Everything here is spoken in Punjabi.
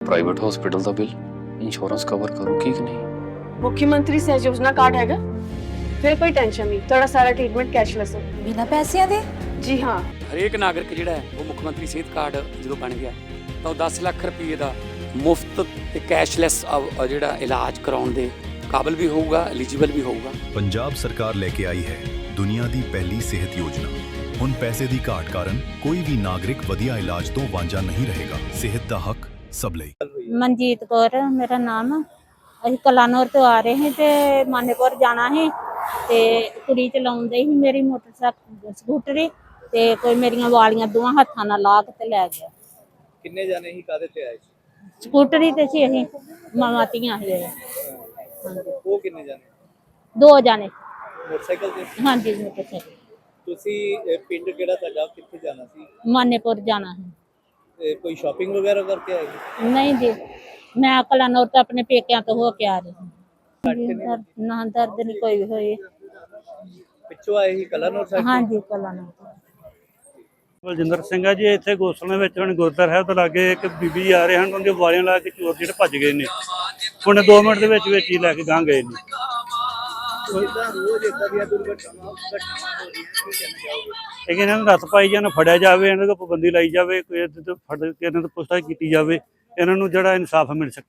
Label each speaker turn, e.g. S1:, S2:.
S1: ਪ੍ਰਾਈਵੇਟ ਹਸਪੀਟਲ ਦਾ ਬਿੱਲ ਇੰਸ਼ੋਰੈਂਸ ਕਵਰ ਕਰੂਗੀ ਕਿ ਨਹੀਂ।
S2: मुख्यमंत्री सहज योजना कार्ड हैगा, फिर कोई टेंशन नहीं, थोड़ा सारा ट्रीटमेंट कैशलेस है।
S3: ਬਿਨਾਂ ਪੈਸਿਆਂ ਦੇ?
S2: जी हाँ,
S4: ਹਰੇਕ ਨਾਗਰਿਕ ਜਿਹੜਾ ਹੈ ਉਹ ਮੁੱਖ ਮੰਤਰੀ ਸਿਹਤ ਕਾਰਡ ਜਦੋਂ ਬਣ ਗਿਆ ਤਾਂ ਉਹ 10 ਲੱਖ ਰੁਪਏ ਦਾ ਮੁਫਤ ਤੇ ਕੈਸ਼ਲੈਸ ਜਿਹੜਾ ਇਲਾਜ ਕਰਾਉਣ ਦੇ ਕਾਬਿਲ ਵੀ ਹੋਊਗਾ, ਐਲੀਜੀਬਲ ਵੀ ਹੋਊਗਾ।
S5: ਪੰਜਾਬ ਸਰਕਾਰ ਲੈ ਕੇ ਆਈ ਹੈ ਦੁਨੀਆ ਦੀ ਪਹਿਲੀ ਸਿਹਤ ਯੋਜਨਾ। ਹੁਣ ਪੈਸੇ ਦੀ ਘਾਟ ਕਾਰਨ ਕੋਈ ਵੀ ਨਾਗਰਿਕ ਵਧੀਆ ਇਲਾਜ ਤੋਂ ਵਾਂਝਾ ਨਹੀਂ ਰਹੇਗਾ। ਸਿਹਤ ਦਾ ਹੱਕ ਸਭ ਲਈ।
S6: ਮਨਜੀਤ ਕੌਰ ਮੇਰਾ ਨਾਮ। ਅਸੀਂ ਕਲਾਨੌਰ ਤੋਂ ਆ ਰਹੇ ਹਾਂ ਤੇ ਮਾਨੇਪੁਰ ਜਾਣਾ ਹੈ ਤੇ ਕੁੜੀ ਚਲਾਉਂਦੇ ਸੀ ਮੇਰੀ ਮੋਟਰਸਾਈਕਲ ਸਕੂਟਰੀ ਤੇ ਕੋਈ ਮੇਰੀਆਂ ਵਾਲੀਆਂ ਦੋਵਾਂ ਹੱਥਾਂ ਨਾਲ ਲਾ ਕੇ ਤੇ ਲੈ ਗਿਆ।
S7: ਕਿੰਨੇ ਜਾਣੇ ਹੀ ਕਾਦੇ ਤੇ ਆਏ ਸੀ?
S6: ਸਕੂਟਰੀ ਤੇ ਸੀ ਅਸੀਂ ਮਾਵਾਂ ਧੀਆਂ ਸੀ। ਹਾਂਜੀ,
S7: ਉਹ ਕਿੰਨੇ ਜਾਣੇ?
S6: 2 ਜਾਣੇ।
S7: ਮੋਟਰਸਾਈਕਲ ਤੇ?
S6: ਹਾਂਜੀ, ਮੋਟਰਸਾਈਕਲ।
S7: ਤੁਸੀਂ ਪਿੰਡ ਕਿਹੜਾ ਤੁਹਾਡਾ, ਕਿੱਥੇ ਜਾਣਾ ਸੀ?
S6: ਮਾਨੇਪੁਰ ਜਾਣਾ ਹੈ।
S7: ਕੋਈ ਸ਼ਾਪਿੰਗ ਵਗੈਰਾ ਕਰਕੇ ਆਏ ਸੀ?
S6: ਨਹੀਂ ਜੀ, ਮੈਂ ਕਲਾਨੌਰ ਤੋਂ ਆਪਣੇ ਪੇਕਿਆਂ ਤੋਂ ਹੋ ਕੇ ਆ ਰਹੀ ਹਾਂ। ਨਾ ਦਰਦ ਨਹੀਂ ਕੋਈ ਵੀ ਹੋਈ।
S7: ਪਿੱਛੋਂ ਆਏ ਸੀ ਕਲਾਨੌਰ ਸਾਹਿਬ?
S6: ਹਾਂਜੀ, ਕਲਾਨੌਰ।
S8: ਬਲਜਿੰਦਰ ਸਿੰਘ ਆ ਜੀ। ਇੱਥੇ ਗੋਸਲੇ ਵਿੱਚ ਹੁਣ ਗੁਰਦੁਆਰਾ ਸਾਹਿਬ ਤੋਂ ਲਾਗੇ ਇੱਕ ਬੀਬੀ ਆ ਰਹੇ ਹਨ, ਉਹਦੇ ਵਾਲੀਆਂ ਲਾ ਕੇ ਚੋਰ ਜਿਹੜੇ ਭੱਜ ਗਏ ਨੇ। ਹੁਣ 2 ਮਿੰਟ ਦੇ ਵਿੱਚ ਹੀ ਲੈ ਕੇ ਗਾਂ ਗਏ ਨੇ।
S7: ਰੋਜ਼ ਇਦਾਂ ਦੀਆਂ ਦੁਰਘਟਨਾਵਾਂ ਹੋ ਰਹੀਆਂ, ਕੀ ਕਹਿਣਾ ਚਾਹੋਗੇ?
S8: ਇਹਨਾਂ ਨੂੰ ਰੱਥ ਪਾਈ ਜਾਣ, ਫੜਿਆ ਜਾਵੇ, ਇਹਨਾਂ ਤੋਂ ਪਾਬੰਦੀ ਲਾਈ ਜਾਵੇ, ਕੋਈ ਫੜ ਕੇ ਇਹਨਾਂ ਤੋਂ ਪੁੱਛਤਾਛ ਕੀਤੀ ਜਾਵੇ, ਇਹਨਾਂ ਨੂੰ ਜਿਹੜਾ ਇਨਸਾਫ ਮਿਲ ਸਕੇ।